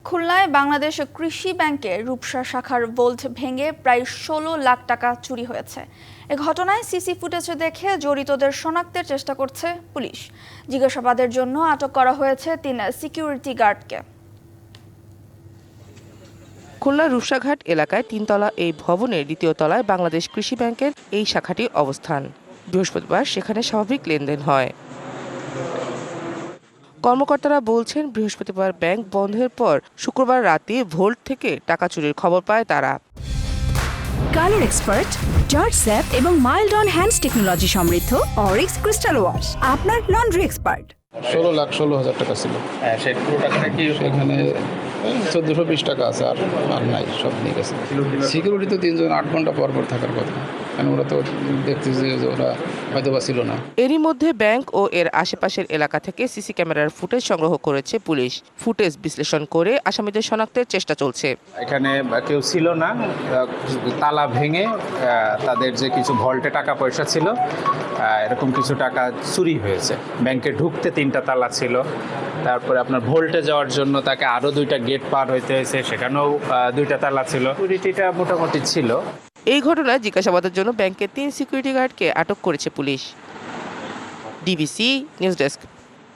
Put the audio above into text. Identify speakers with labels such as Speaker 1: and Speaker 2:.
Speaker 1: খুলনায় বাংলাদেশ কৃষি ব্যাংকের রূপসা শাখার ভোল্ট ভেঙে প্রায় ১৬ লাখ টাকা চুরি হয়েছে। এ ঘটনায় সিসি ফুটেজে দেখে জড়িতদের শনাক্তের চেষ্টা করছে পুলিশ। জিজ্ঞাসাবাদের জন্য আটক করা হয়েছে ৩ সিকিউরিটি গার্ডকে।
Speaker 2: খুলনার রূপসাঘাট এলাকায় ৩তলা এই ভবনের ২য় তলায় বাংলাদেশ কৃষি ব্যাংকের এই শাখাটি অবস্থান। বৃহস্পতিবার সেখানে স্বাভাবিক লেনদেন হয়। কর্মকর্তারা বলছেন, বৃহস্পতিবার ব্যাংক বন্ধের পর শুক্রবার রাতে ভোল্ট থেকে টাকা চুরির খবর পায় তারা।
Speaker 3: কালার এক্সপার্ট, জর্জ স্যাপ এবং মাইল্ড অন হ্যান্ডস টেকনোলজি সমৃদ্ধ অরিক্স ক্রিস্টাল ওয়াশ আপনার লন্ড্রি এক্সপার্ট।
Speaker 4: ১৬,১৬,০০০ টাকা ছিল।
Speaker 5: সেই পুরো টাকাটা কি
Speaker 4: সেখানে ১৪২০ টাকা আছে, আর নাই, সব নিয়ে গেছে। সিকিউরিটি তো ৩ জন ৮ ঘন্টা পর পর থাকার কথা, কারণ ওরা তো দেখতেছে যে ওরা হয়তো বা ছিল না।
Speaker 2: এরই মধ্যে ব্যাংক ও এর আশেপাশের এলাকা থেকে সিসি ক্যামেরার ফুটেজ সংগ্রহ করেছে পুলিশ। ফুটেজ বিশ্লেষণ করে আসামিদের শনাক্তের চেষ্টা চলছে।
Speaker 5: এখানে কেউ ছিল না, তালা ভেঙে তাদের যে কিছু ভল্টে টাকা পয়সা ছিল, এরকম কিছু টাকা চুরি হয়েছে। ব্যাংকে ঢুকতে 3টা তালা ছিল, তারপরে আপনার ভোল্টে যাওয়ার জন্য তাকে আরও 2টা গেট পার হইতে হয়েছে, সেখানেও 2টা তালা ছিল। সিকিউরিটিটা মোটামুটি ছিল।
Speaker 2: এই ঘটনায় জিজ্ঞাসাবাদের জন্য ব্যাংকের 3 সিকিউরিটি গার্ডকে আটক করেছে পুলিশ। DBC news desk.